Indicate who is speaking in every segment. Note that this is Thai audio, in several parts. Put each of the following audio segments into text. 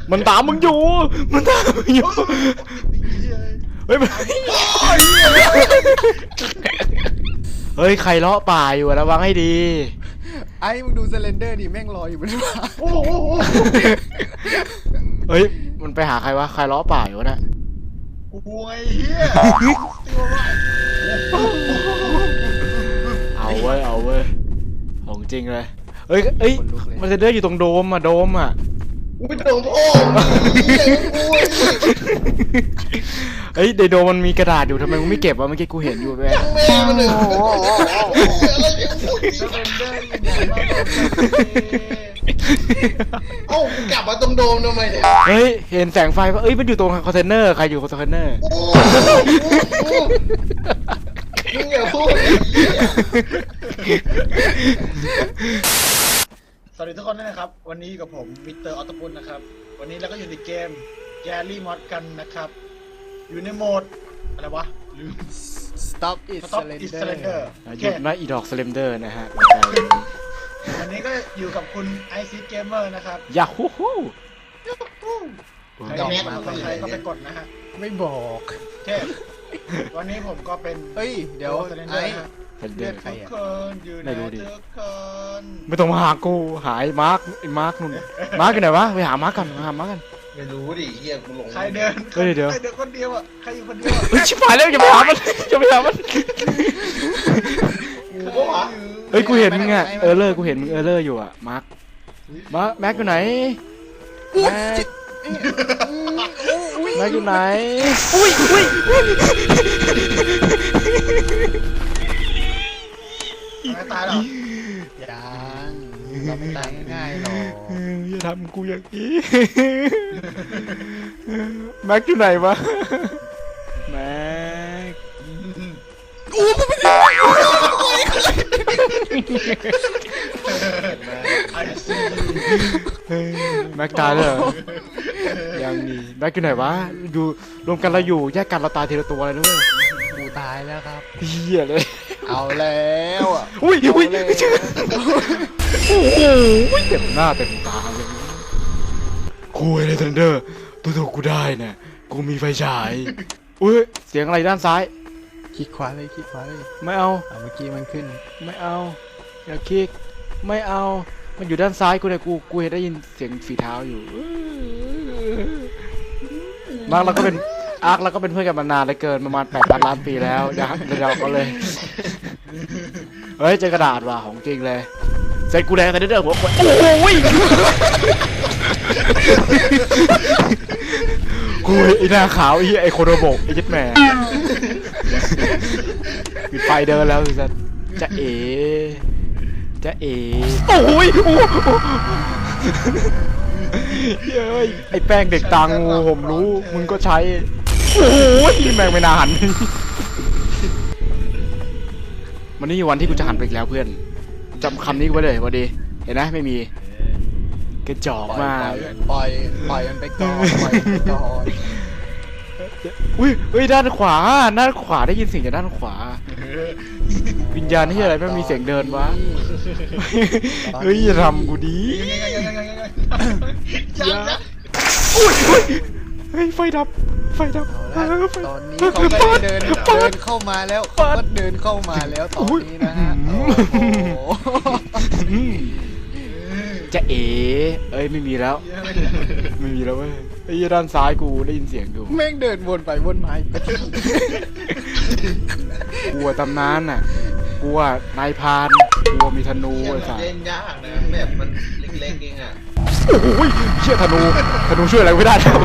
Speaker 1: มันตามมึงอยู่มันตามมึงอยู่เฮ้ยเฮ้ยใครเลาะป่าอยู่ระวังให้ดี
Speaker 2: ไอ้มึงดูสเลนเดอร์ดิแม่งรออยู่บนฟ้า
Speaker 1: เฮ้ยมันไปหาใครวะใครเลาะป่าอยู่วะเนี่ย
Speaker 3: โอ้ยเฮีย
Speaker 1: เอาเว้ยเอาเว้ยของจริงเลยเอ้ยมันจะเดินอยู่ตรงโดมอ่ะ
Speaker 3: อุ้ยโดมโอ้
Speaker 1: เฮ้ยในโดมมันมีกระดาษอยู่ทำไมมึงไม่เก็บวะเมื่อกี้กูเห็นอยู่แม่
Speaker 3: แม่มันเลยเอ้ากลับมาตรงโดมทำไมเนี่ย
Speaker 1: เฮ้ยเห็นแสงไฟปะเอ้ยมันอยู่ตรงคอนเทนเนอร์ใครอยู่คอนเทนเนอร์
Speaker 3: มึงอย่าพูดสวัสดีทุกคนด้วยนะครับวันนี้อยู่กับผมมิสเตอร์ออตปุลนะครับวันนี้เราก็อยู่ในเกมแกลี่มอดกันนะครับอยู่ในโหมดอะไรวะลืม
Speaker 2: Stop it Slender
Speaker 1: หยุดนะอีดอกสเลมเดอร์นะฮะ
Speaker 3: วันนี้ก็อยู่กับคุณไอซีเกมเมอร์นะครับ
Speaker 1: ยาฮูฮู
Speaker 3: ใครแม็กใครก็ไปกดนะฮะ
Speaker 2: ไม่บอก
Speaker 3: เทพวันนี้ผมก็เป็น
Speaker 2: เฮ้ยเดี๋ยวไอ้
Speaker 1: เดือด
Speaker 3: ใครทุกคนอยู่ในทุกคน
Speaker 1: ไม่ต้องมาหากูหายมาร์คนู่นมาร์คกันไหนวะไปหามาร์คกัน
Speaker 3: ไม่รู้ดิเฮียกูหลงใครเดินคนเดียวอ่ะใครอยู่คนเดียว
Speaker 1: เฮ้ยชิบหายแล้วอย่าไปหามันเฮ้ยกูเห็นมึงอะกูเห็นมึงอยู่อะมาร์คแม็กอยู่ไหนแม็กอยู่ไหนอุ้ย
Speaker 3: ไม่ตายหรอ
Speaker 2: ยังเราไม่ตายง่ายหรอก
Speaker 1: อย่าทำกูอย่างนี้แม็กอยู่ไหนวะแม็กกูไม่ได้แม็กตายเลยยังนี่แม็กอยู่ไหนวะอยู่รวมกันเราอยู่แยกกันเราตายทีละตัวเลยด้วย
Speaker 2: กูตายแล้วครับ
Speaker 1: เหี้ยเลย
Speaker 2: เอาแล้วอ่ะ
Speaker 1: อุ้ยโอ้โหเต็มหน้าเต็มตาเลยคุยเลยทันเดอร์ตัวกูได้เนี่ยกูมีไฟฉายอุ้ยเสียงอะไรด้านซ้าย
Speaker 2: คลิกขวาเลย
Speaker 1: ไม่เอา
Speaker 2: เมื่อกี้มันขึ้น
Speaker 1: ไม่เอาอย่าคลิกไม่เอามันอยู่ด้านซ้ายกูเนี่ยกูเห็นได้ยินเสียงฝีเท้าอยู่มาร์คเราก็เป็นเพื่อนกันมานานเลยเกินประมาณ8,000 ล้านปีแล้วเราก็เลยเฮ้ยเจอกระดาษว่ะของจริงเลยเสร็จกูแดงแต่เด้อหัวคนโอ้ยกูไอ้หน้าขาวไอ้โคโนโบะไอ้ยัดแม่ปิดไฟเดินแล้วสิสันจะเอ๋โอ้ยเฮ้ยไอ้แป้งเด็กตังงูผมรู้มึงก็ใช้โอ้ยแม่งไม่น่าหันวันนี้วันที่กูจะหันไปแล้วเพื่อนจำคำนี้ไว้เลยวันดีเห็นไหมไม่มีกระจอกมาก
Speaker 2: ปล่อยมันไปก่อน
Speaker 1: อุ้ยด้านขวาได้ยินเสียงจากด้านขวาวิญญาณนี่อะไรไม่มีเสียงเดินวะเฮ้ยอย่าทำกูดีเฮ้ยไฟดับ
Speaker 2: ตอนนี้เขาก็เดินเข้ามาแล้วตอนนี้นะฮะ
Speaker 1: จะเอ๋เอ้ยไม่มีแล้วเว้ยไอ้ด้านซ้ายกูได้ยินเสียงอยู่
Speaker 2: แม่งเดินวนไปวนมา
Speaker 1: กลัวตำนานน่ะกลัวนายพานกลัวมีธนูไอ้สัส
Speaker 3: เล่นยากนะแบบมันเล็กๆเองอ่ะ
Speaker 1: โอ้ยเชี่ยธนูช่วยอะไรไม่ได้แล้ว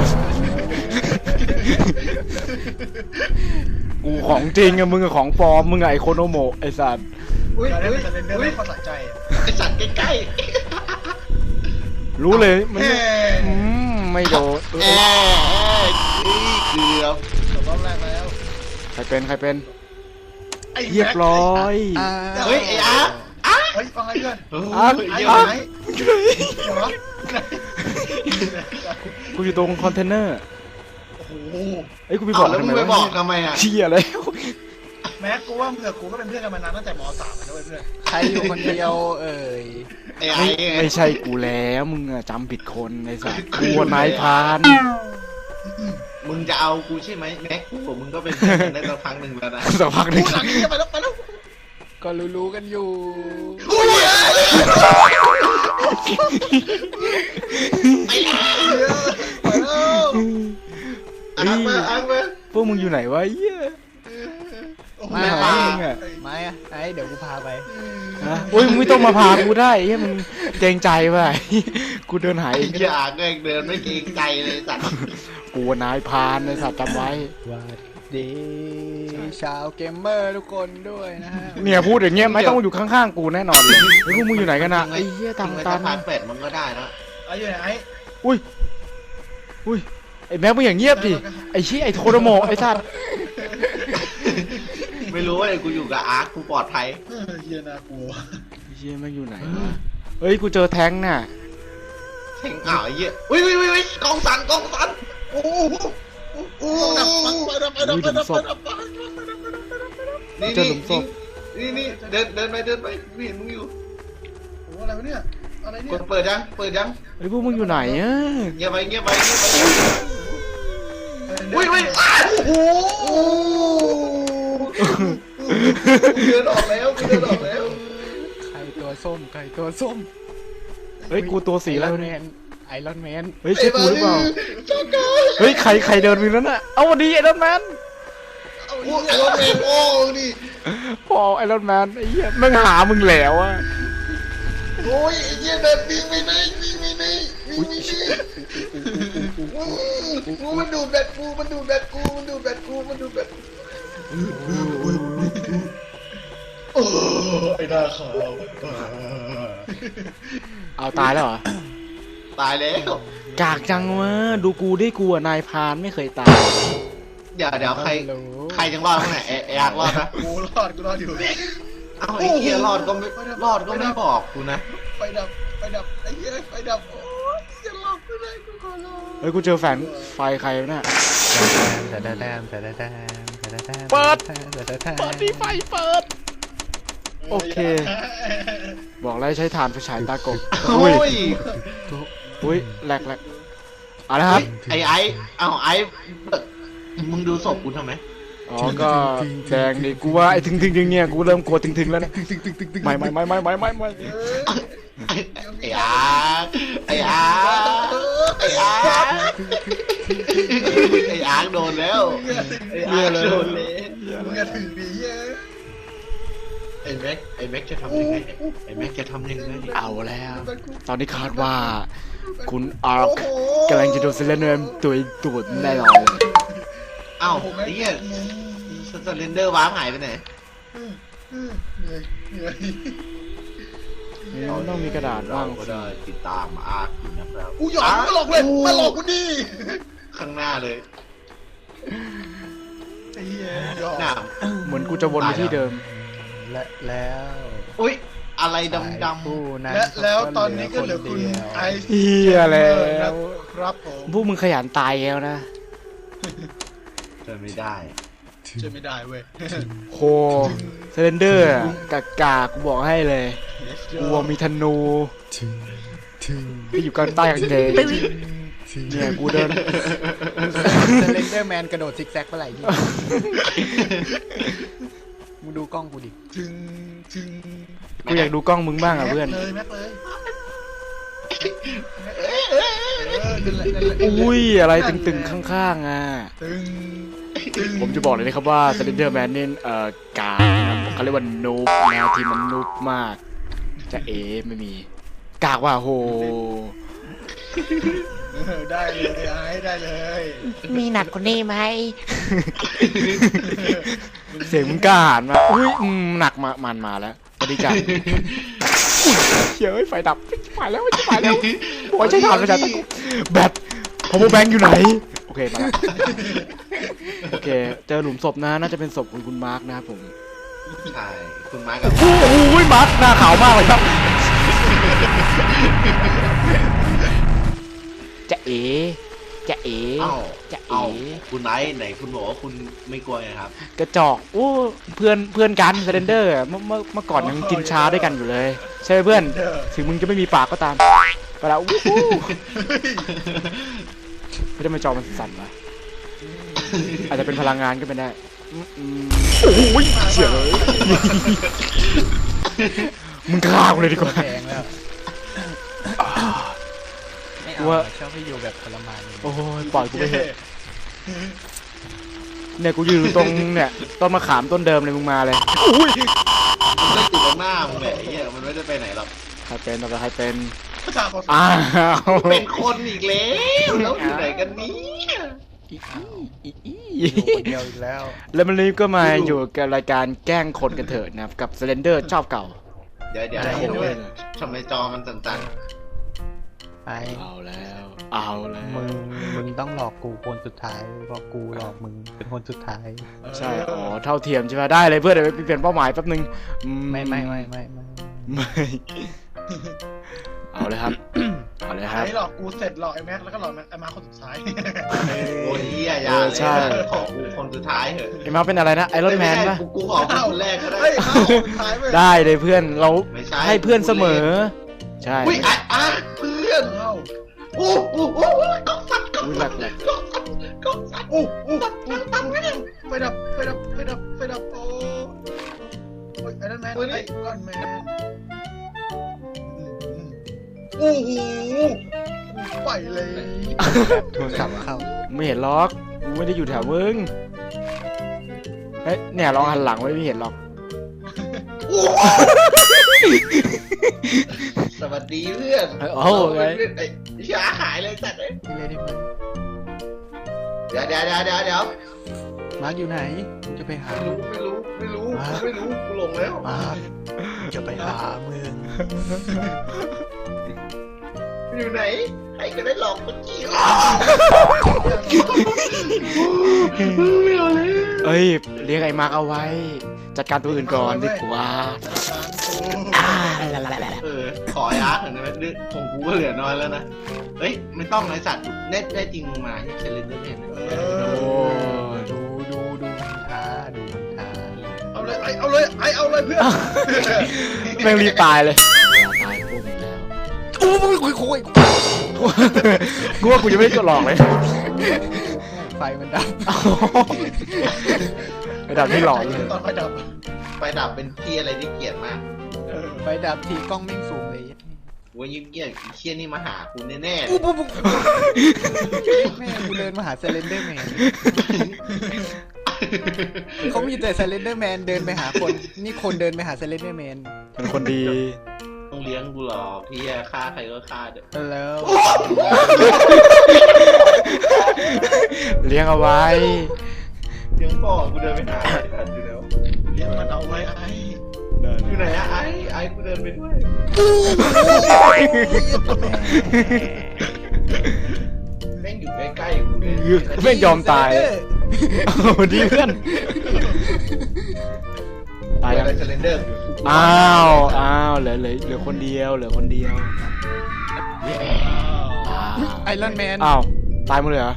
Speaker 1: กูของจริงอะมึงกับของปลอมมึงไอโคโนโมะไอสัตว์
Speaker 3: อุ้ยไม่พอสะใจไอสัตว์ใกล้
Speaker 1: รู้เลยมันไม่โดน
Speaker 3: เกือบรอบแรกแล้ว
Speaker 1: ใครเป็นเรียบร้อย
Speaker 3: เฮ้ยไอ้เฮ้ยฟังอะไรเพื่อน
Speaker 1: กูอยู่ตรงคอนเทนเนอร์
Speaker 3: โอ้โห
Speaker 1: ไอ้กูไปบอก
Speaker 3: แล้วมึงไปบอกทำไมอ่ะ
Speaker 1: เชี่ยแล้ว
Speaker 3: แม็กกูว่าเผื่อกูก็เป็นเพื่อนกันมานานตั้งแต่ม .3 แล้วเว้ยเพื่อน
Speaker 2: ใครอยู่คนเดียวเอ่ย
Speaker 4: ไอ้ไอ้ไง
Speaker 1: ไม่ใช่กูแล้วมึงอะจำผิดคนไอ้สัสกูอะนายพราน
Speaker 4: มึงจะเอากูใช่ไหมแม็กกูกับมึงก็เป็นเพื่อนกันได้สักพักหนึ่งแล้วนะ
Speaker 1: สักพักหนึง
Speaker 3: กูหลังนี้ไปแล้วไปแล้ว
Speaker 2: ก็รู้ๆกันอยู่
Speaker 3: กูเหี้ยไปแล้ว
Speaker 4: อ้างมาอ้างมา
Speaker 1: พวกมึงอยู่ไหนวะเหี้ย
Speaker 2: ไม่
Speaker 1: ไม่
Speaker 2: ห
Speaker 1: หา
Speaker 2: า
Speaker 1: มึงอะ
Speaker 2: ไม่อะไอ้เดี๋ยวกูพาไป
Speaker 1: ฮะโอ้ยมึงไม่ต้องมาพากูได้เฮ้ยมึงเกรงใจว่ะกูเดินหาย
Speaker 4: ไอ้
Speaker 1: เองก็
Speaker 4: เหี้ย
Speaker 1: ได้
Speaker 4: อ่างเองเดินไม่เกรงใจเลยสัตว์
Speaker 1: กูอะนายพรานไอ้สัตว์จำไว้
Speaker 2: วัสดีชาวเกมเมอร์ทุกคนด้วยนะฮะ
Speaker 1: เนี่ยพูดอย่างเงี้ยไม่ต้องอยู่ข้างๆกูแน่นอนเลยไอ้พวกมึงอยู่ไหนกันนะไอ้เหี้ย
Speaker 4: ทำ
Speaker 1: ทำ
Speaker 4: ไม
Speaker 1: ตั
Speaker 4: ถ้าน พาร์ท8มันก็ได้นะ
Speaker 3: ไอ้อยู่ไหนไอ้
Speaker 1: อุ้ยไอ้แม็กมึงอย่างเงียบดิไอ้ชี้ยไอ้โทโดโมะไอ้สัตว์
Speaker 4: ไม่รู้ว่ากูอยู่กับอาร์คกูปลอดภัย
Speaker 3: เฮียน่ากลัว
Speaker 1: ไอ้เหี้ยแม่งอยู่ไหนวะเฮ้ยกูเจอแท้งน่ะ
Speaker 4: แทงอ่าวไอ้เหี้ยอุ้ยกองสันกองสัน
Speaker 3: โอ้โหโอ้ดับไปดับไปดับไปดับไปดับไป
Speaker 4: นี่
Speaker 1: เจอหลุมศพ
Speaker 4: นี่เดินไปกูเห็นมึงอยู่
Speaker 3: โอ้อะไรวะเนี่ยอะไร
Speaker 4: ก
Speaker 3: เนี่ย
Speaker 4: ดเปิดยัง
Speaker 1: ไอ้พวกมึงอยู่ไหนอะ
Speaker 4: เงียบไปอุ้ยโอ้โหเดินออกแล้ว
Speaker 2: ใครตัวส้มใครตัวส้ม
Speaker 1: เฮ้ยกูตัวสี
Speaker 2: ไอ
Speaker 1: แล้
Speaker 2: ร
Speaker 1: ว
Speaker 2: อนแม
Speaker 1: เนี่ย
Speaker 2: นไอรอนแมน
Speaker 1: เฮ้ยใช่กูหรือเปล่าเฮ้ยใครเดินไปนั้นน่ะเอาวันนี้ไอรอนแมน
Speaker 4: โอ้ไอ้รถเมล์โอ้นี่
Speaker 1: พอไอรอนแมนไอ้เหี้ยแม่งหามึงแล้วอะ
Speaker 4: โอ้ยไอ้เหี้ยเดินวิ่งไปไหนมันดูดแบตกู
Speaker 3: โอ้ไอ้หน้าขาว
Speaker 1: เอาตายแล้วเหรอ
Speaker 4: ตายแล้ว
Speaker 1: กากจังวะดูกูได้กูอะนายพรานไม่เคยตาย
Speaker 4: เดี๋ยวใครจังรอดข้างไหนไอ้อาร์ครอดนะ
Speaker 3: กูรอดอยู่
Speaker 4: เอ้าไอ้เหี้ยรอดก็ไม่บอกกูนะ
Speaker 3: ไฟดับไอ้เหี้ยไฟดับโอ้ยจะหลอกไม่ได้กูขอร้อง
Speaker 1: เฮ้ยกูเจอแฝงไฟใครวะเนี่ย
Speaker 2: แต่แต่แต่แต่แต่
Speaker 1: เปิด
Speaker 2: แต่
Speaker 1: เปิดดีไฟเปิด โอเค บอกแล้วใช้ถ่านไฟฉายตากบ
Speaker 4: โอ้ย
Speaker 1: อุ้ยแหลกเอาละครับ
Speaker 4: ไอ้มึงดูศพกูทำไม
Speaker 1: อ๋อก็แดงดิกูว่าไอ้ถึงเนี่ยกูเริ่มกลัวถึงแล้วนะไม่
Speaker 4: ไอ้อาร์คโดนแล้วไอ้อาร์คโดนเลย
Speaker 3: มึงอย่าถึงดิเหี้ย
Speaker 4: ไอ้แม็กจะทำยังไง
Speaker 1: เอาแล้ว ตอนนี้คาดว่า คุณอาร์คกำลังจะโดนเซเลนเนอร์ตัวตูดแน่นอนเลย
Speaker 4: เอ้าไอ้เหี้ยสเลนเดอร์วาร์ปหายไปไหน
Speaker 3: เหนื่อย
Speaker 1: มันต้องมีกระดาษบ้าง
Speaker 4: ก็ได้ติดตามอาร์คอยู่นะครับ
Speaker 3: กูหยอกมาหลอกเลยมาหลอกกูดิ
Speaker 4: ข้างหน้าเลย
Speaker 3: ไอ้เหี้ยหยอก
Speaker 4: หน้า
Speaker 1: เหมือนกูจะวนไปที่เดิม
Speaker 2: และแล้ว
Speaker 4: อุ้ยอะไรดำ
Speaker 2: ผู้นั้น
Speaker 3: แล้วตอนนี้ก็เหลือคุณไอซ์
Speaker 1: เฮียแล้ว
Speaker 3: ครับผม
Speaker 1: พวกมึงขยันตายแล้วนะ
Speaker 4: ๆเจอไม่ได้
Speaker 3: ช่วยไม่ได้เว้ย
Speaker 1: โคเซเลนเดอร์กากกูบอกให้เลยกูมีธนูที่อยู่กลางใต้กางเกงเนี่ยกูเดิน
Speaker 2: สเลนเดอร์แมนกระโดดซิกแซกเมื่อไหร่นี่มึงดูกล้องกูดิ
Speaker 3: ถึง
Speaker 1: กูอยากดูกล้องมึงบ้างอ่ะเพื่อน
Speaker 3: เลยแม็กเลย
Speaker 1: อุ้ยอะไรตึงๆข้างๆอ่ะ
Speaker 3: ตึง
Speaker 1: ผมจะบอกเลยนะครับว่าสเลนเดอร์แมนนี่กากนะครับเขาเรียกว่านูบนะทีมมันนูบมาก จะเอไม่มี กากว่าโห
Speaker 3: ได้เลยไอ้ได้เลย
Speaker 5: มีหนักกว่านี้ไหม
Speaker 1: เสียงมึงกล้าหาญมาอุ้ยหนักมาแล้วสวัสดีจ้ะเฮ้ยไฟดับไปแล้วบอกใช้ถ่านไฟฉายตะกุแบตพาวเวอร์แบงค์อยู่ไหนโอเคมาแล้วโอเคเจอหลุมศพนะน่าจะเป็นศพของคุณมาร์คนะครับผม
Speaker 4: ใช่คุณมาร์คกับ
Speaker 1: โอ้ยมาร์คหน้าขาวมากเลยครับจะเอ๋จะเอ๋
Speaker 4: เอ้า
Speaker 1: จะ
Speaker 4: เอ้า
Speaker 1: เอ๋
Speaker 4: คุณไนท์ไหนคุณบอกว่าคุณไม่กลัวไงครับ
Speaker 1: กระจอกโอ้เพื่อนกันเซเลนเดอร์เมื่อก่อนยังกินชาด้วยกันอยู่เลย ใช่ไหมเพื่อน ถึงมึงจะไม่มีปากก็ตามไปแล้ววู้ฮู้ไม่ได้มาจอมันสั่นวะอาจจะเป็นพลังงานก็เป็นได้โอ้ยเฉียเลยมึงฆ่ากูเลยดีกว่า
Speaker 2: แพงแล้วไม่เอา
Speaker 1: ว่า
Speaker 2: ชอบให้อยู่แบบทรมาน
Speaker 1: โอ้ยปล่อยกูไปเถอะเนี่ยกูยืนอยู่ตรงเนี่ยต้นมะขามต้นเดิมเลยมึงมาเลยอุ้ย
Speaker 4: มันก็ติดตรงหน้ามึงแหละไอ้เหี้ยมันไม่ได้ไปไหนหรอก
Speaker 1: ใครเป็นต่อไปใครเป็น
Speaker 3: ประชาชน
Speaker 1: อ้าว
Speaker 4: เป็นคนอีกแล้วแล้วอยู่ไหนกันเนี้
Speaker 2: อยู่คนเดียวอีกแล้ว
Speaker 1: แล้วมันนี้ก็มาอยู่กับรายการแกล้งคนกันเถิดนะครับกับเซเลนเดอร์ชอบเก่า
Speaker 4: เดี๋ยว
Speaker 3: ได้เห็นด้วย
Speaker 4: ทำไมจอมันสั่น
Speaker 2: ไอ้
Speaker 1: เอาแล้วเอาแล้ว
Speaker 2: มึงต้องหลอกกูคนสุดท้ายเพราะกูหลอกมึงเป็นคนสุดท้าย
Speaker 1: ใช่อ๋อเท่าเทียมใช่ไหมได้เลยเพื่อนเดี๋ยวไปเปลี่ยนเป้าหมายแป๊บนึง
Speaker 2: ไม่
Speaker 1: ไม่เอาเลยครับเอาเลยครับ
Speaker 3: ไอ้หลอกกูเสร็จหลอกไอ้แม็กแล้วก็หลอกไอ้มาคนสุดท้าย
Speaker 4: ๆโอ้ยเหี้ยอย่าเลย
Speaker 1: ใช่
Speaker 4: ขอกูคนสุดท้ายเถอะ
Speaker 1: ไอ้มาเป็นอะไรนะไอรอนแมน
Speaker 4: ไใช่
Speaker 1: ปะ
Speaker 4: กูขอเป็นคนแรกก็ได้
Speaker 3: เฮ้ยมาคนสุดท้ายเว้ย
Speaker 1: ได้เลยเพื่อนเรา
Speaker 4: ไม่ใช่
Speaker 1: ให้เพื่อนเสมอ ใช่
Speaker 4: อุ้ยอ่ะเพื่อน
Speaker 3: เอ้า
Speaker 4: โอ้โหก็สั่นก็
Speaker 1: อุ้ยหลั
Speaker 4: สั่น
Speaker 1: กหลัก
Speaker 4: ก็สั่น
Speaker 3: อู้ไฟดับโอ้ยไอ้นั่นแมนไอ้ก้อนแมนโอ้โหไปเลย
Speaker 2: โทรศัพท์เข้า
Speaker 1: ไม่เห็นล็อกกูไม่ได้อยู่แถวมึงเฮ้ยเนี่ยลองหันหลังไว้ไม่เห็นหรอก
Speaker 4: สวัสดีเพื่อน
Speaker 1: โอ้โหไง
Speaker 4: ไอ้ช้าหายเลยสัตว์เลย
Speaker 2: นี่เลยนี่มัน
Speaker 4: เดี๋ยว
Speaker 2: มาร์คอยู่ไหนมึงจะไปหา
Speaker 4: ไม่รู้กูหลงแล้ว
Speaker 2: มาร์คจะไปหามึง
Speaker 4: อยู่ไหนใครก็ได้หลอกเมื่อกี้ไม่เอาเลย
Speaker 1: เอ้ยเลี้ยงไอ้มาร์กเอาไว้ จัดการตัวอื่นก่อนดีกว่าอ่า
Speaker 4: ขอไอ้อาร์ตหน่อยได้ไหมเรื่องของกูก็เหลือน้อยแล้วนะเฮ้ยไม่ต้องไอ้สัตว์ได้จริงมึงมาที่เซเลนเดอร์แมน
Speaker 1: โอ้ย
Speaker 2: ดูมันท้าดูมันท้า
Speaker 3: เอาเลยเพื่อน
Speaker 1: แม่งรีบตายเลยตายปุ๊บแล้ว
Speaker 2: โอ้ยคุย
Speaker 1: กูว่ากูยังไม่ได้กดหลอกเลย
Speaker 2: ไฟมันดับ
Speaker 1: ไอ้ดาบที่หลอนเลย
Speaker 3: ตอนไฟดับ
Speaker 4: ไฟดับเป็นที่อะไรที่เกลียดมาก
Speaker 2: ไฟดับทีกล้องแม่งสูงเลย
Speaker 4: ว่ายิ้มเกลียดเชี่ยนี่มาหากูแน่ๆ
Speaker 2: ปุ๊บแม่กูเดินมาหาเซเลนเดอร์แมนเขามีแต่เซเลนเดอร์แมนเดินไปหาคนนี่คนเดินไปหาเซเลนเดอร์แมน
Speaker 1: เป็นคนดี
Speaker 4: ต้องเลี้ยงกูหรอกพี่ฆ่าใครก็ฆ่าเด้อ
Speaker 2: แล้ว
Speaker 1: เลี้ยงเอาไว้
Speaker 4: เลี้ยงพ่อกูเดินไปหาไอ้สัตว์อยู่แล้ว
Speaker 3: เลี้ยงมันเอาไว้ไอ้
Speaker 4: อยู่ไหนอะไอ้กูเดินไปด้วยแม่งอยู่ใกล้ๆกูเลย
Speaker 1: ไม่ยอมตายโอ้ดีเพื่อนตาย
Speaker 4: อะ
Speaker 1: ยัง
Speaker 4: ไรเซเลนเดอร์
Speaker 1: อ้าวเหลือคนเดียวอ้าว
Speaker 2: ไอรอนแมน
Speaker 1: อ้าวตายหมดเลยเหรอ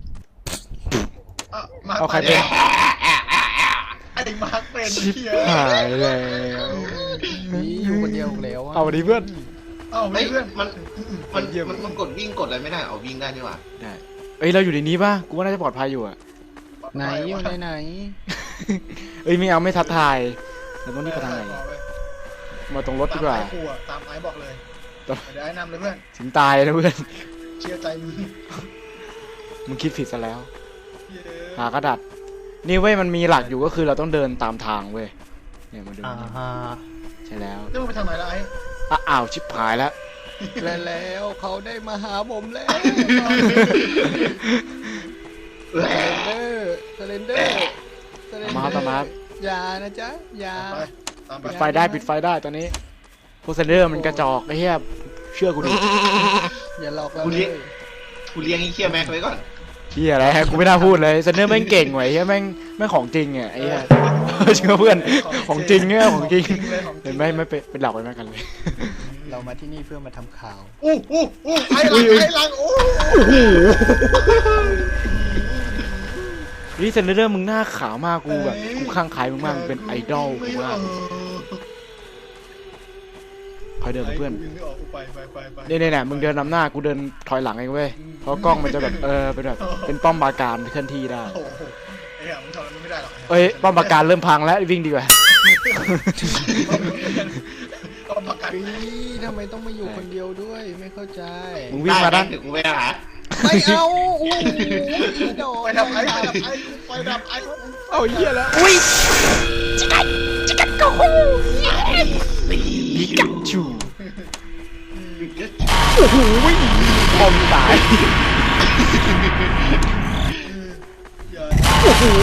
Speaker 3: มา
Speaker 1: เอาใครเป็น
Speaker 3: ไอ้มาร์คเป็น
Speaker 1: ชิบ
Speaker 3: เฮีย
Speaker 1: หายแล้ว
Speaker 2: นี่อยู่คนเดียวแล้ว
Speaker 1: เอาดีเพื่อน
Speaker 3: เอ้า
Speaker 4: เฮ้ย
Speaker 3: เพื่อน
Speaker 4: มันกดวิ่งกดอะไรไม่ได้เอาวิ่งได้นี่หว่า
Speaker 1: ได้เอ้ยเราอยู่ในนี้ป่ะกูว่าน่าจะปลอดภัยอยู่อะ
Speaker 2: ไหนอยู่ไหน
Speaker 1: เอ้ยไม่เอาไม่ทักทายเราต้องรีบไปทางไหนมาตรงรถดีกว่า
Speaker 3: ตามไอ้บอกเลย
Speaker 1: ต่อ
Speaker 3: เดี๋ยวไอ้นำเลยเพื่อน
Speaker 1: ถึงตายนะเพื่อน
Speaker 3: เชื่อใจมึง
Speaker 1: มึงคิดผิดซะแล้ว
Speaker 3: เย้
Speaker 1: หากระดาษนี่เว้ยมันมีหลักอยู่ก็คือเราต้องเดินตามทางเว้ยเนี่ยมาดู
Speaker 2: ฮะ
Speaker 1: ใช่แล้ว
Speaker 3: แล้วมึงไปทางไหนล่ะไอ้
Speaker 1: อ้าวชิบหายแล้ว
Speaker 2: แล้วเขาได้มาหาผมแล้วเซเลนเดอร์อย่านะจ๊ะอย่า
Speaker 3: ไปตามไป
Speaker 1: ปิดไฟได้ปิดไฟได้ตอนนี้โพสเซนเดอร์มันกระจอกไอ้เหี้ยเชื่อกูดิ
Speaker 2: อย่าหลอกเรา
Speaker 4: กู
Speaker 2: เล
Speaker 4: เลี้ยง
Speaker 2: ย
Speaker 4: กูเลี้ยงไอ้เชี่ยแม็กไว้ก่อน
Speaker 1: เหี้ยอะไรฮะกูไม่น่าพูดเลยเซนเดอร์แม่งเก่งไว้เหี้ยแม่งของจริงอ่ะไอ้เหี้ยเชื่อเพื่อนของจริงเนี่ยของจริง
Speaker 3: เลยของจริ
Speaker 1: เห็
Speaker 3: ง
Speaker 1: นไหมไม่เป็นหลักไว้แม่กันเลย
Speaker 2: เรามาที่นี่เพื่อมาทำข่าว
Speaker 3: ไอ้หลังโอ้
Speaker 1: นี่เซนเดอร์มึงหน้าขาวมากกูแบบกูข้างใครมึงมากมึงเป็นไอดอลกูมากคอยเดินเพื่อน
Speaker 3: วิ่งไม่ออกกูไป
Speaker 1: เนี่ยมึงเดินนำหน้ากูเดินถอยหลังเองเว้ยเพราะกล้องมันจะแบบเป็นแบบเป็นป้อมปราการเคลื่อนที่ได้
Speaker 3: โอ้โหไอ้เหี้ยมึงทำมันไม่ได้หรอก
Speaker 1: เอ้ยป้อมปราการเริ่มพังแล้ววิ่งดีกว่า
Speaker 3: ป้อมปราการ
Speaker 2: ทำไมต้องมาอยู่คนเดียวด้วยไม่เข้าใจ
Speaker 1: มึงวิ่งมาด้าน
Speaker 4: ถึงกูไปหา
Speaker 2: ไม่เอาโอ้โหโด
Speaker 3: ไฟ
Speaker 2: น
Speaker 3: ดับไอ้ไฟดับไอ้
Speaker 2: เอาเหี้ยแล้ว
Speaker 1: อุ้ยจิกัดก็ฮู้ปิกาจูโอ้โหบอมตาย โอ้โห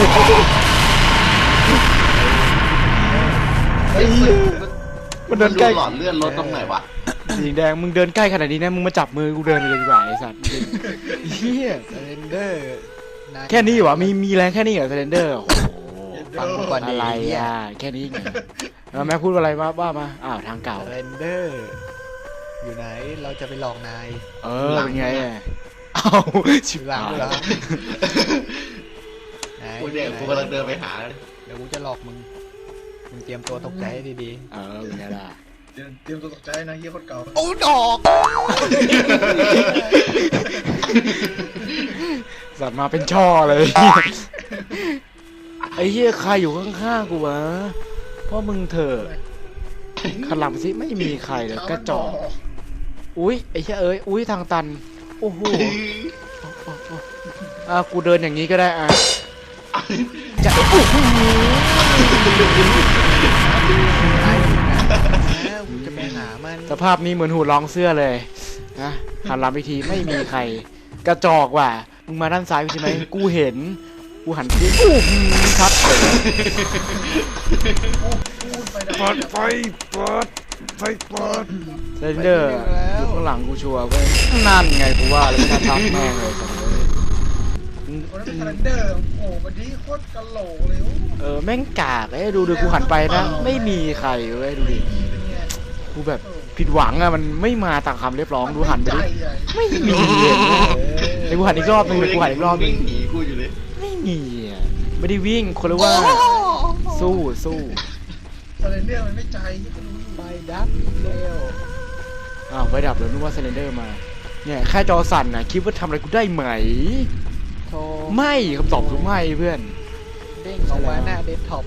Speaker 4: เฮ้ย
Speaker 1: มันเดินใกล้
Speaker 4: หลอดเลือดลดตรงไหนวะ
Speaker 1: สีแดงมึงเดินใกล้ขนาดนี้นะมึงมาจับมือกูเดินเลยดีกว่าไอ้สัตว์เฮีย
Speaker 2: เซเลนเดอร์
Speaker 1: แค่นี้เหรอมีแรงแค่นี้เหรอเซเลนเดอร์โอ้โห
Speaker 2: ฟังกูก่อน
Speaker 1: อะไรอ่ะแค่นี้ไงแม่พูดอะไรว่ามาอ้าวทางเก่า
Speaker 2: เซเลนเดอร์อยู่ไหนเราจะไปหลอกนาย
Speaker 1: เป็นไงอ่ะเอ้าชิบ
Speaker 2: หลัง
Speaker 1: หาย
Speaker 2: เหรอไหน
Speaker 4: กูเด็กกูกำลังเดินไปหา
Speaker 2: เดี๋ยวกูจะหลอกมึงเตรียมตัวตกใจให้ดี
Speaker 1: เป็นไงล่ะ
Speaker 3: เตรียมตัวตกใจนะเยี่ยคนเก่า
Speaker 2: ๆโอ้ดอก
Speaker 1: สัตว์มาเป็นช่อเลย ไอ้เหี้ยใครอยู่ข้างๆกูวะพ่อมึงเถอะขลับสิไม่มีใครเลยกระจอกอุ้ยไอ้เหี้ยอุ้ยทางตันโอ้โหกูเดินอย่างนี้ก็ได้จะโอ้โห
Speaker 2: นายอยู่ไหนนะกูจะไปหามัน
Speaker 1: สภาพนี้เหมือนหูร้องเสื้อเลยนะหันหลังไปทีไม่มีใครกระจอกว่ะมึงมาด้านซ้ายใช่ไหมกูเห็นกูหันไปชัดเลย เปิดไฟเปิดเซนเดอร์อยู่ข้างหลังกูชัวร์เว้ยนั่นไงกูว่าแล้วจะทักแม่งเลยสัตว์เลย
Speaker 3: วันนั้นเป็นคาเลนเดอร์โอ้วันนี้โคตรกะโหลกเลย
Speaker 1: แม่งกากดูกูหันไปนะไม่มีใครเว้ยดูดิ
Speaker 3: เป็นไง
Speaker 1: กูแบบผิดหวังอะมันไม่มาตามคำเรียบร้องดูหันไปดิไม่มีเดี๋ยวกูหันอีกรอบนึงเดี๋ยวกูหันอีกรอบนึ
Speaker 4: วิ่
Speaker 1: ง
Speaker 4: งหนีกูอยู่เลย
Speaker 1: ไม่มีอะไม่ได้วิ่งคนละว่าสู้
Speaker 3: คาเลนเดอร์มันไม่ใจที่กูรู้
Speaker 2: ไปดับเร็ว
Speaker 1: อ้าวไฟดับแล้วนึกว่าเซเลนเดอร์มาเนี่ยแค่จอสั่นนะคิดว่าทำอะไรกูได้ไหม
Speaker 2: โทร
Speaker 1: ไม่คำตอบคือไม่เพื่อน
Speaker 2: เด้งออกมาหน้าเดสก์ท็อป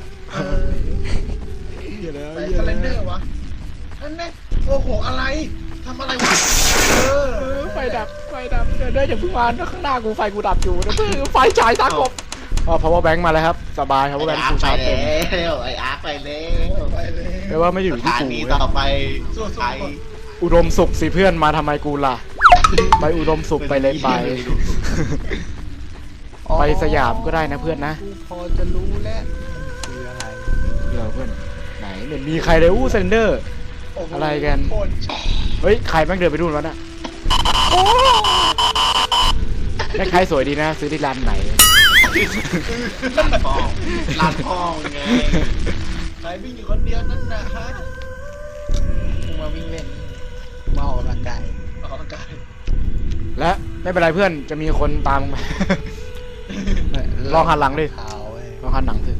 Speaker 3: ไปคาเลนเดอร์วะนั่นแน่โอ้โหอะไรทำอะไรวะ
Speaker 1: ไฟดับเดินได้อย่าเพิ่งมาข้างหน้ากูไฟกูดับอยู่นะเพื่อไฟฉายตากบpower bank มาแล้วครับสบาย power bank กูชาร์จเต็ม
Speaker 4: ไอ้อาร์คไปแล้ว
Speaker 3: ไปเลย
Speaker 1: แปลว่าไม่อยู่
Speaker 4: ส
Speaker 1: ที่
Speaker 4: ถา
Speaker 1: กู
Speaker 4: นีต่อไป
Speaker 3: สู้
Speaker 4: ไป
Speaker 1: อุดมสุขสิเพื่อนมาทำไมกูล่ะไปอุดมสุขไปเลยไปไปสยามก็ได้นะเพื่อนนะ
Speaker 2: กูพอจะรู้แล้วมันคืออะไร
Speaker 1: เราเพื่อนไหนเนี่ยมีใครเลยเซนเดอร์ อะไรกัน
Speaker 3: โคตร
Speaker 1: เฮ้ยใครแม่งเดินไปดูนวะน่ะแม่งใครสวยดีนะซื้อที่ร้านไหน
Speaker 4: ร้านพ่อไง
Speaker 3: ใครวิ่งอยู่คนเดียวนั่นนะฮะ
Speaker 2: กูมาวิ่งเล่นกูมาออกกำลังกาย
Speaker 3: ออกกำลังกาย
Speaker 1: และไม่เป็นไรเพื่อนจะมีคนตามมึงไป ลองหันหลังดิ
Speaker 2: ขาวเว้ย
Speaker 1: ลองหันหนังสิ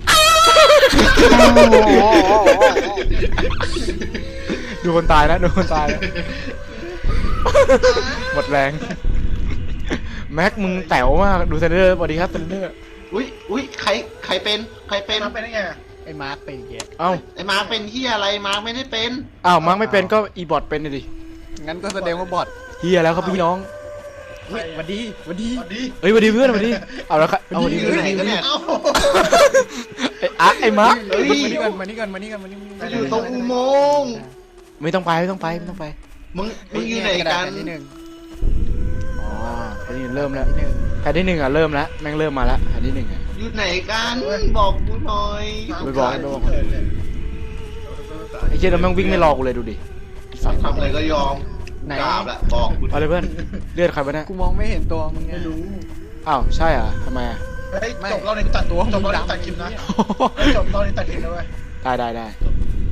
Speaker 1: ดูคนตายนะดูคนตายนะหมดแรงแม็กมึงแต๋วมากดูเซนเดอร์สวัสดีครับเซนเดอร์
Speaker 4: อุ้ยใครเป็น
Speaker 3: ทำไปได้ไง
Speaker 2: ไอ้มาร์คเป็นเหี้ย
Speaker 1: เอ้า
Speaker 4: ไอ้มาร์คเป็นที่อะไรมาร์คไม่ได้เป็น
Speaker 1: อ้าวมังไม่เป็นก็อีบอทเป็นเลยดิ
Speaker 2: งั้นก็แสดงว่าบอท
Speaker 1: เฮียแล้วครับพี่น้อง
Speaker 2: เฮ้ยหวันดีหวันดี
Speaker 3: สวัสดี
Speaker 1: เอ้ยสวัสดีเพื่อนสวัสดีเอาแล้วครับเอาสวัสดี
Speaker 4: อยู่ไหนกันเนี่ย
Speaker 3: เอ้า
Speaker 1: ไอ้อาร์คไอ้มาร์ค
Speaker 4: เฮ้ย
Speaker 2: มานี่ก่อน
Speaker 4: อยู่ตรงอุโมงค์
Speaker 1: ไม่ต้องไป
Speaker 4: มึงอยู่ไหนกัน
Speaker 2: ที่หนึ่ง
Speaker 1: อ๋อแผ่นที่เริ่มแล้ว
Speaker 2: ที่หนึ่ง
Speaker 1: แผ่นที่หนึ่งอ่ะเริ่มแล้วแม่งเริ่มมาแล้วแผ่นที่หนึ่งอ่ะ
Speaker 4: อยู่ไหนกันบอกกูหน่อย
Speaker 1: ไม่บอก ไอ้เจ้าแล้วแม่งวิ่งไม่รอกูเลยดูดิ
Speaker 4: ทำอะไรก็ยอมกราบละบอกกู
Speaker 1: เอาเลยเพื่อนเลือดใครวะเนี่ย
Speaker 2: กูมองไม่เห็นตัวมึงไง
Speaker 3: ไม่รู้
Speaker 1: อ้าวใช่อ่ะทำไมอ่ะ
Speaker 3: เฮ้ยจบเราในตัดตัวจบเราในตัดคลิปนะจบเราในตัดคลิปนะเว้ย
Speaker 1: ได้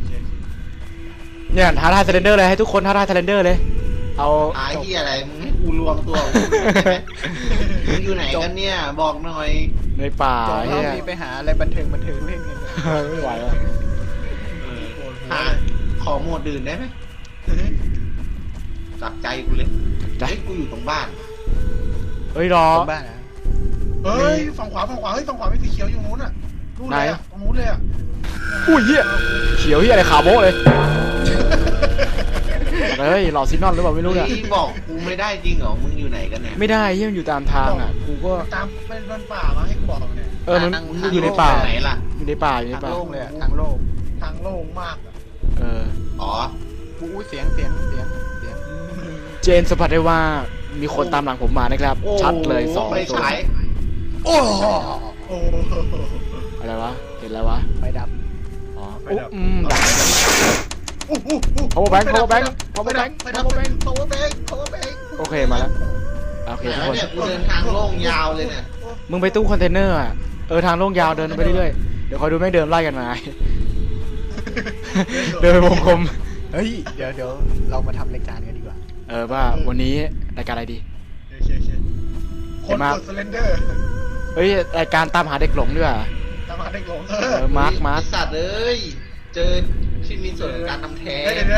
Speaker 1: เนี่ยท้าทายเซเลนเดอร์เลยให้ทุกคนท้าทายเซเลนเดอร์เลยเอา
Speaker 4: ไอ้ที่อะไรมึงให้กูรวมตัวของมึงใช่ไหมมึงอยู่ไหนกันเนี่ยบอกหน่อย
Speaker 1: ในป่า
Speaker 2: จบร
Speaker 1: เฮี
Speaker 2: อบ
Speaker 1: ย
Speaker 2: นี้ไปหาอะไรบันเทิงเล่นกัน
Speaker 1: ไม่ไหวแล้ว
Speaker 4: หาขอโหมดอื่นได้ไหมจับใจกูเลยเฮ้ยกูอยู่ตรงบ้าน
Speaker 1: เฮ้ยรอ
Speaker 2: ตรงบ้านนะ
Speaker 3: เฮ้ยฝั่งขวาเฮ้ยฝั่งขวามีสีเขียวอยู่นู้นอ่ะนู่นเลยอ่ะตรงนู้นเลยอ่ะ
Speaker 1: อุ้ยเฮียเขียวเฮียอะไรขาวโบ๊ะเลยเฮ้ยหลอดซินนอนหรือเปล่าไม่รู้เนี่ย
Speaker 4: นี่บอกกูไม่ได้จริงเหรอมึงอยู่ไหนกันเนี่ย
Speaker 1: ไม่ได้เฮียมันอยู่ตามทางอ่ะกูก็
Speaker 3: ตามเป็นป่ามาให้กูบอกเนี่ย
Speaker 1: มันอยู่ในป่า
Speaker 4: ไหนล่ะ
Speaker 1: อยู่ในป่าอยู่ใน
Speaker 2: ทาง
Speaker 1: ป่า
Speaker 2: โล่งเลยอะทางโล่ง
Speaker 3: ทางโล่งมากอ่ะ
Speaker 1: เออ
Speaker 4: อ๋อ
Speaker 2: อู้เสียง
Speaker 1: เจนสัมผัสได้ว่ามีคนตามหลังผมมานะครับ
Speaker 4: โอ้
Speaker 1: ชัดเลยสอง
Speaker 4: ไป
Speaker 1: ตัว
Speaker 4: ฉาย
Speaker 2: โอ้โห
Speaker 3: โอ้
Speaker 1: อะไรวะเห็นแล้ววะ
Speaker 2: ไฟดับ
Speaker 1: อ๋อ
Speaker 3: ไปดับ
Speaker 1: ดัก power bank power bank power bank
Speaker 3: ไปดับ
Speaker 1: power bank
Speaker 3: power bank power bank
Speaker 1: โอเคมาแล้วโอเคทุก
Speaker 4: แล้ว
Speaker 1: คน
Speaker 4: เนี่ยกูเดินทางโล่งยาวเลยเนี่ย
Speaker 1: มึงไปตู้คอนเทนเนอร์อ่ะทางโล่งยาวเดินไปเรื่อยๆเดี๋ยวคอยดูแม่งเดินไล่กันมา เดินไปวงกลม
Speaker 2: เฮ้ยเดี๋ยวเรามาทำรายการกันดีกว่า
Speaker 1: ว่าวันนี้รายการอะไรดี
Speaker 3: คนกดสเลนเดอร์
Speaker 1: เฮ้ยรายการตามหาเด็กหลงด้วยว่ะ
Speaker 3: ตามหาเด็กหลง
Speaker 1: มาร์ค
Speaker 4: ไอ้สัตว์เอ้ยเจอที่มีส่วนของการทำแท้ง
Speaker 3: เดี๋ยว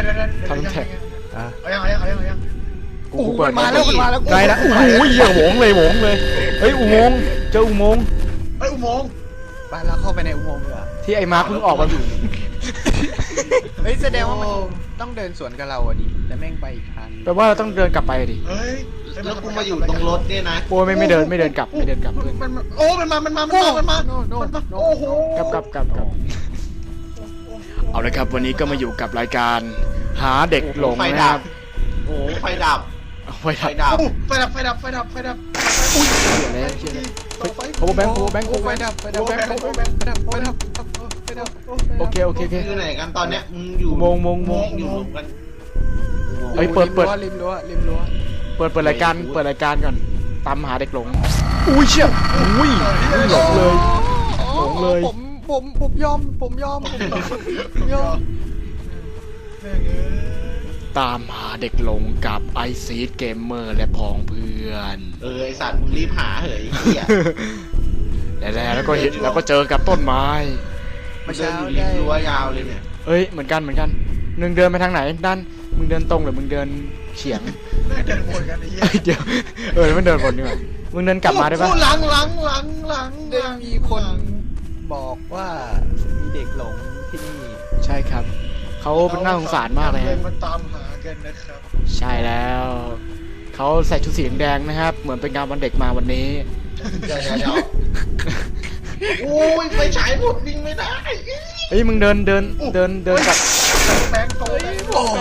Speaker 3: เอายัง
Speaker 1: กูเปิด
Speaker 2: มาแล้วมันมาแล้ว
Speaker 1: ไกลละโอ้โหเหี้ยโหงเลยเฮ้ยอุโมงค์เจออุโมงค์
Speaker 3: เฮ้ยอุโมงค์
Speaker 2: ไปเราเข้าไปในอุโมงค์เลย
Speaker 1: ที่ไอ้มาร์คเพิ่งออกมา
Speaker 2: เฮ้ยแสดงว่ามันต้องเดินสวนกับเราอ่ะดิแต่แม่งไปอีกทาง
Speaker 1: แปลว่าเราต้องเดินกลับไปดิ
Speaker 3: เฮ้ย
Speaker 4: แล้วกูมาอยู่ตรงรถเนี่ยนะ
Speaker 1: โอ้ไม่เดินกลับเพื่อน
Speaker 3: มันโอ้มันมาโอ้โห
Speaker 1: กลับเอาเลยครับวันนี้ก็มาอยู่กับรายการหาเด็กหลง
Speaker 4: ไฟ
Speaker 1: นะค
Speaker 4: ดั
Speaker 1: รั
Speaker 4: บบ โอ้ไฟดับ
Speaker 1: ไฟ
Speaker 4: ไฟ
Speaker 1: ดับ
Speaker 4: ดับ
Speaker 3: ไฟดับ
Speaker 1: อุ้ยเดี๋ยวเลยpower bank power bank
Speaker 2: ไฟดับ
Speaker 1: โอเค
Speaker 4: อยู่ไหนกันตอนเนี้ยมึงอยู่
Speaker 1: อุโมงค์
Speaker 4: อยู่รวมกัน
Speaker 1: เฮ้ยเปิด
Speaker 2: ริมรั้ว
Speaker 1: เปิดรายการก่อนตามหาเด็กหลงอุ้ยเชี่ยอุ้ยหลงเลย
Speaker 2: ผมยอม
Speaker 1: ตามหาเด็กหลงกับไอซีดเกมเมอร์และพ้องเพื่อน
Speaker 4: ไอสัตว์มึงรีบหาเหยเหี้ย
Speaker 1: แล้วก็เห็นแล้วก็เจอกับต้นไม้
Speaker 4: มันเดินอยู่ริมรั้วยาวเลยเนี่ย
Speaker 1: เอ้ยเหมือนกันมึงเดินไปทางไหนด้านมึงเดินตรงหรือมึงเดินเฉียง
Speaker 3: เดินวนกันไอ้เหี้ย
Speaker 1: เอ้ยเดี๋ยวแล้วมันเดินวนดีกว่ามึงเดินกลับมาได้ปะ
Speaker 3: หลัง
Speaker 2: ได้มีคนบอกว่ามีเด็กหลงที่นี่
Speaker 1: ใช่ครับเขาเป็นน่าสงสารมากเลยฮะ
Speaker 3: มันตามหากันนะครับ
Speaker 1: ใช่แล้วเขาใส่ชุดสีแดงนะครับ เหมือนเป็นงานวันเด็กมาวันนี้
Speaker 4: เดี๋ยวโอ้ยไฟฉายหมดวิ่งไม่ได้
Speaker 1: เฮ้ยมึงเดินกลับ
Speaker 3: แบงค์โต
Speaker 2: โอ้โห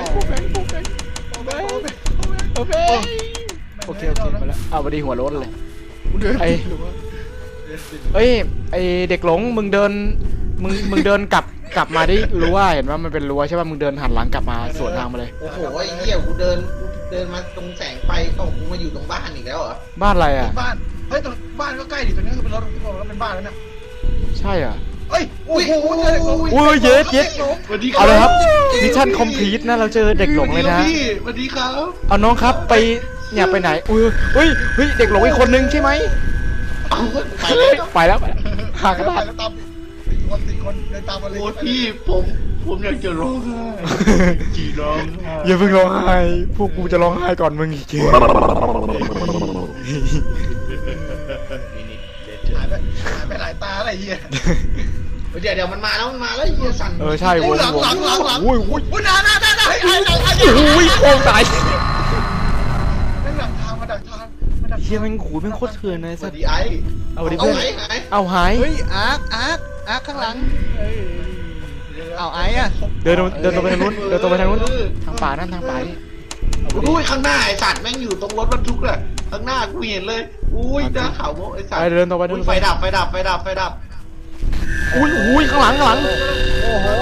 Speaker 1: โอเคมาแล้วเอาพอดีหัวโล้นเลยไอ้เอ้ยไอเด็กหลงมึงเดินกลับมาได้รู้ว่าเห็นว่ามันเป็นรั้วใช่ป่ะมึงเดินหันหลังกลับมาสวนทางมาเลย
Speaker 4: โอ้โหไอ้เหี้ยกูเดินมาตรงแสงไฟต้องกูมาอยู่ตรงบ้านอีกแล้วเหรอ
Speaker 1: บ้านอะไรอ่ะ
Speaker 3: บ้านเฮ้ยตรงบ้านก็ใกล้ดิตรงนี้คือเป็นรถที่บอกแล้วเป็นบ้านแล้วเนี่ย
Speaker 1: ใช่อ่ะ
Speaker 3: เฮ้ยโอ้โห
Speaker 1: อุ้ยเย็ด
Speaker 4: สวัสดีครั
Speaker 1: เอาเลยครับมิชชั่นคอมพลีทนะเราเจอเด็กหลงเลยนะ
Speaker 4: สวัสดีครับ
Speaker 1: เอาน้องครับไปเนี่ยไปไหนเฮ้ยเด็กหลงอีกคนนึงใช่ไหม
Speaker 4: เอาไปแล้ว
Speaker 1: ไปแล้วหากระดาษ
Speaker 3: แล้วตามสี่คนเดินตามมาเลย
Speaker 4: โอ้พี่ผมอยากจะร้องไห้จีร้องไห้
Speaker 1: อย่าเพิ่งร้องไห้พวกกูจะร้องไห้ก่อนมึงอีกที
Speaker 3: หายไปหลายตาอะไรเหี้ย
Speaker 4: เดี๋ยวมันมาแล้วเหี้ยสั่น
Speaker 1: ใช่วง
Speaker 3: หลัง
Speaker 1: อุ้ย
Speaker 3: อุ้ยหน้าไอ้
Speaker 1: อุ้ยโค้งตาย
Speaker 3: นั่นหลังทางมาดักทาง
Speaker 1: เฮียแม่งขู่แม่งโคตรเถื่อนเลย
Speaker 4: ส
Speaker 1: สั
Speaker 4: วั
Speaker 1: ส
Speaker 4: สดีไอ้
Speaker 1: เอาดิ
Speaker 4: เอา
Speaker 1: เพื่อน
Speaker 4: ไหน
Speaker 1: เอาหาย
Speaker 2: เฮ้ยอาร์คข้างหลังเอาไอ้อะ
Speaker 1: เดินตรงไปทางนู้นทางป่านั่นทางป่านี่
Speaker 4: อุ้ยข้างหน้าไอ้สัตว์แม่งอยู่ตรงรถบรรทุกเลยข้างหน้ากูเห็นเลยอุ้ยหน้าขาวโมไอ้สัตว์
Speaker 1: ไปเดินต่อไป
Speaker 4: ไฟดับ
Speaker 1: อุ้ยข้างหลัง
Speaker 2: โอ้โห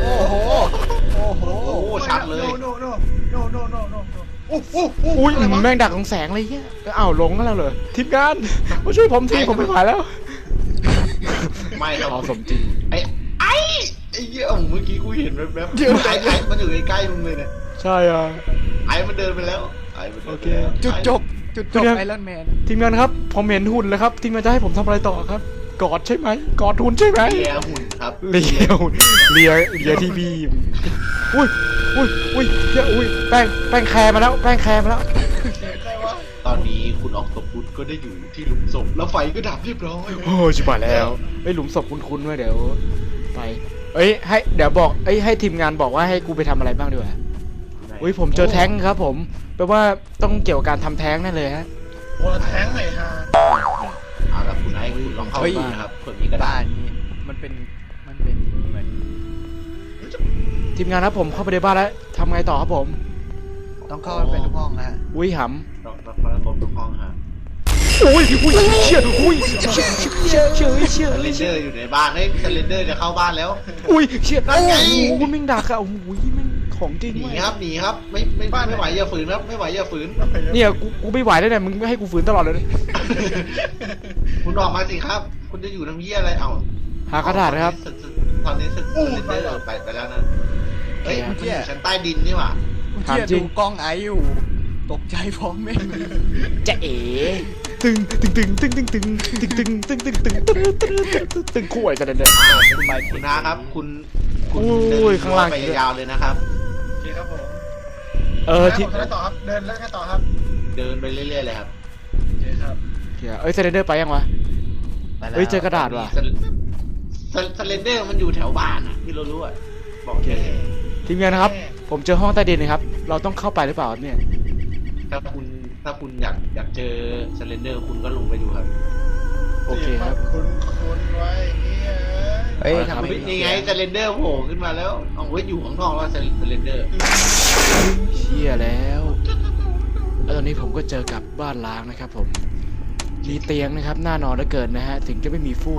Speaker 4: โอ้ชัดเลย
Speaker 3: โน
Speaker 1: อุ้ยแม่งดักของแสงเลยเฮียอ้าวหลงแล้วเหรอทีมงานมาช่วยผมทีผมไม่ไหวแล้ว
Speaker 4: ไม่เรา
Speaker 1: เอาสมจริง
Speaker 4: ไอ้เหี้ยเมื่อกี้กูเห็นแว๊บๆไอ้มันอยู่ใกล้ๆมึงเลยเนี่ย
Speaker 1: ใช่อ่ะ
Speaker 4: ไอ้มันเดินไปแล้วหายไปลย
Speaker 1: โอเค
Speaker 2: จุดจบไอรอนแมน
Speaker 1: ทีมงานครับผมเห็นหุ่นแล้วครับทีมงานจะให้ผมทำอะไรต่อครับกอดใช่ไหมกอดหุ่นใช่ไหม
Speaker 4: เลียหุ่นครับ
Speaker 1: เลียหุ่นเลียที่บีมอุ้ยเหี้ยอุ้ยแป้งแคร์มาแล้วแป้งแคร์มาแล้ว
Speaker 3: เสียงใครวะ
Speaker 4: ตอนนี้คุณออกตพุทก็ได้อยู่ที่หลุมศพแล้วไฟก็ดับเรียบร้อย
Speaker 1: โอ้ชิบหายแล้วไอ้ยหลุมศพคุ้นๆด้วยเดี๋ยวไปเอ้ยให้เดี๋ยวบอกให้ทีมงานบอกว่าให้กูไปทำอะไรบ้างดีกว่าอุ้ยผมเจอแท้งครับผมแปลว่าต้องเกี่ยวกับการทำแท้งแน่เลยฮะ
Speaker 3: โอ้ละแท้งไหนฮะ
Speaker 4: เอาละคุณไอ้คุณลองเข้าบ้านนะครับเผื่อมีกระดา
Speaker 2: บ้า
Speaker 4: ษ
Speaker 2: นนี้มันเป็นเหมือน
Speaker 1: ทีมงานครับผมเข้าไปในบ้านแล้วทำไงต่อครับผม
Speaker 2: ต้องเข้าไปเป็นทุกห้องนะฮะ
Speaker 1: อุ้ยห
Speaker 4: เราครบทุกห้องครับ
Speaker 1: ำอุ้ยเชี่ยอุ้ยเชี่ย
Speaker 4: สเลนเดอร์อยู่ในบ้านเฮ้ยสเลนเดอร์จะเข้าบ้านแล้ว
Speaker 1: อุ้ยเชี่ย
Speaker 4: นั่นไง
Speaker 1: โอ้โหมิ่งดักอะโอ้โหมิ่งของจริง
Speaker 4: หนี
Speaker 1: เว้ย
Speaker 4: ครับหนีครับไม่ไหวอย่าฝืนครับไม่ไหวอย่าฝืน
Speaker 1: เนี่ยกูไม่ไหวแล้วเนี่ยมึงไม่ให้กูฝืนตลอดเลยนะ
Speaker 4: คุณออกมาสิครับ คุณจะอยู่ทำเหี้ยอะไรเอา
Speaker 1: หากระดาษนะครับ
Speaker 4: ตอนนี้สเลนเดอร์ไปแล้วนะเฮ้ยมันอยู่ชั้นใต้ดินนี่หว่า
Speaker 2: เชี่ยดูกล้องไออยู่ตกใจพร้อมแม่ง
Speaker 1: จะเอ๋ตึงคู่ไอ้กันเนี่ย
Speaker 4: คุณนะครับ คุณ
Speaker 1: อุ้ยข้างล่าง
Speaker 4: ไปยาวๆเลยนะครับ
Speaker 3: โอเคครับผม
Speaker 1: ที่
Speaker 3: ผมจะได้ต่อครับเดินแล้วแค่ต่อครับ
Speaker 4: เดินไปเรื่อยๆเลยครับ
Speaker 3: โอเคครับ
Speaker 1: เอ้ยเซเลนเดอร์ไปยังวะเฮ้ยเจอกระดาษว่ะ
Speaker 4: สเลนเดอร์มันอยู่แถวบ้านอ่ะที่เรารู้อ่ะบอกแค่นี้
Speaker 1: ทีมงานนะครับผมเจอห้องใต้ดินนะครับเราต้องเข้าไปหรือเปล่าเนี่ย
Speaker 4: ถ้าคุณอยากเจอสเลนเดอร์คุณก็ลงไปดูครับ
Speaker 1: โอเคครับ
Speaker 3: คุณไว้เนี่ย
Speaker 2: เฮ้ย
Speaker 1: ครั
Speaker 2: ทำ
Speaker 1: บ
Speaker 2: ไม
Speaker 4: นี่ไงสเลนเดอร์โผล่ขึ้นมาแล้วเอาไว้อยู่ข้างนอกแล้วสเลนเดอร์
Speaker 1: เชี่ยแล้วตอนนี้ผมก็เจอกับบ้านล้างนะครับผมมีเตียงนะครับน่านอนเหลือเกินนะฮะถึงจะไม่มีฟูก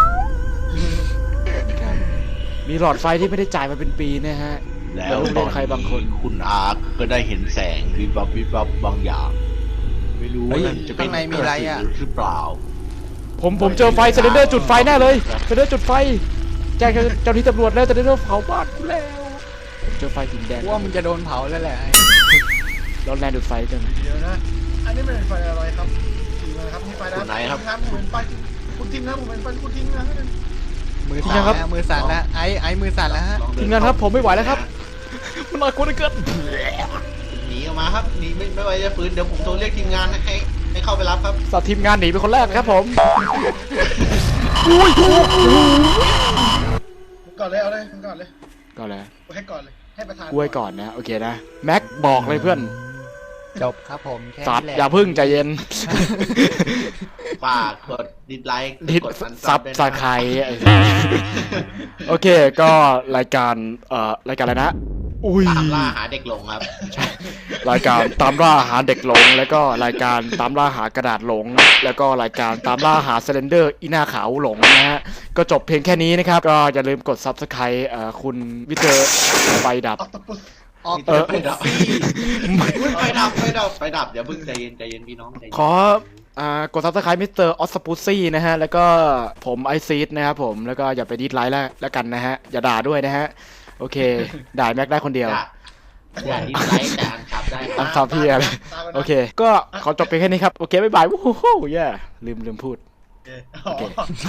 Speaker 1: นะครับมีหลอดไฟที่ไม่ได้จ่ายมาเป็นปีนะฮะ
Speaker 4: แล้วตอนใครบางคนคุณอาร์คก็ได้เห็นแสงวิบวับบางอย่าง ไม่รู้ว่ามันจะเป็นกระสือหรือเปล่า
Speaker 1: ผมเจอไฟเซเลนเดอร์จุดไฟแน่เลยเซเลนเดอร์จุดไฟแจ้งเจ้าหน้าที่ตำรวจแล้วเซเลนเดอร์เผาบ้านกูแล้วผมเจอไฟสีแดง
Speaker 2: ว่ามึงจะโดนเผาแล้วแหละ
Speaker 1: ร้อนแรงดูดไฟจัง
Speaker 3: เดี๋ยวนะอันนี้เป็นไฟอะไรครับทีมนะครับมีไฟนะครับผมเป็นไฟคุณทิ้งนะผมเป็นไฟคุณทิ้งนะ
Speaker 2: มือสั่นแล้วมือสั่นแล้วไอมือสั่นแล้วฮะ
Speaker 1: ทีมงานครับผมไม่ไหวแล้วครับมันน่ากลัวเหลือเกิน
Speaker 4: หนีออกมาครับหนีไม่ไหวจะฟื้นเดี๋ยวผมโทรเรียกทีมงานให้เข้าไปรับครับ
Speaker 1: สัตว์ทีมงานหนีเป็นคนแรกครับผม
Speaker 3: ก่อนเลยเอาเลยก่อนเลย
Speaker 1: ก็แล้ว
Speaker 3: ให้ก่อนเลยให้ประธาน
Speaker 1: กล้วยก่อนนะโอเคนะแม็กบอกเลยเพื่อน
Speaker 2: จบครับผมแค่
Speaker 1: สัตว์
Speaker 2: นี้แหละ
Speaker 1: อย่าพึ่งใจเย็น
Speaker 4: ฝากกดดิสไลค์
Speaker 1: ดิด
Speaker 4: กด
Speaker 1: ซับ
Speaker 4: ด้วยนะ
Speaker 1: สาใครโอเคก็รายการอะไรนะอุ้ย
Speaker 4: ตามล่าหาเด็กหลงครับ
Speaker 1: รายการตามล่าหาเด็กหลงแล้วก็รายการตามล่าหากระดาษหลง แล้วก็รายการตามล่าหาเซเลนเดอร์อีหน้าขาวหลงนะฮะก็จบเพียงแค่นี้นะครับก็อย่าลืมกด Subscribe คุณวิเตอร์ไฟดับ
Speaker 3: ออกตะปุส
Speaker 2: ออก
Speaker 4: ไฟดับไฟดับอย่าเพิ่งใจเย็นพี่น้องใจเย็น
Speaker 1: ขอกด Subscribe มิสเตอร์ออสปูซี่นะฮะแล้วก็ผมไอซีดนะครับผมแล้วก็อย่าไปดิสไลค์แล้วกันนะฮะอย่าด่าด้วยนะฮะโอเคด่าแม็กได้คนเดียว
Speaker 4: อย่าดิสไลค์แต่อันขับได้
Speaker 1: ตั้งซับพี่อะไรโอเคก็ขอจบเพียงแค่นี้ครับโอเคบ๊ายบายวู้ฮู้เย่ลืมพูด
Speaker 3: โอเค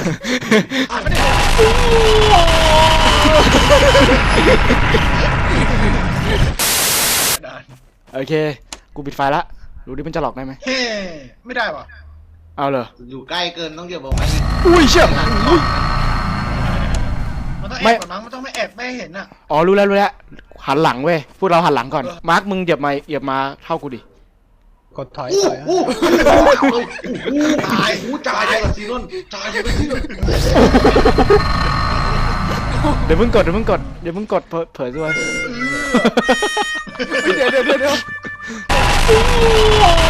Speaker 1: โอเคกูปิดไฟละดูดิมันจะหลอกได้ไหม
Speaker 3: เฮ้ไม่ได้ป่ะ
Speaker 1: เอาเลย
Speaker 4: อยู่ใกล้เกินต้องเดี๋ยวบอกไป
Speaker 1: อุ้ยเชี่ยอุ้ย
Speaker 3: มันต้องแอบก่อนมั้งมันต้องไม่แอบไม่เห็นอ่ะ
Speaker 1: อ๋อรู้แล้วหันหลังเว้ยพวกเราหันหลังก่อนมาร์คมึงเหยียบมาเท่ากูดิ
Speaker 2: กดถอย
Speaker 4: ตายจ่ายเลยซีนนจ่ายเลยซีนน
Speaker 1: เดี๋ยวมึงกดเผยด้วย
Speaker 2: เดี๋ยว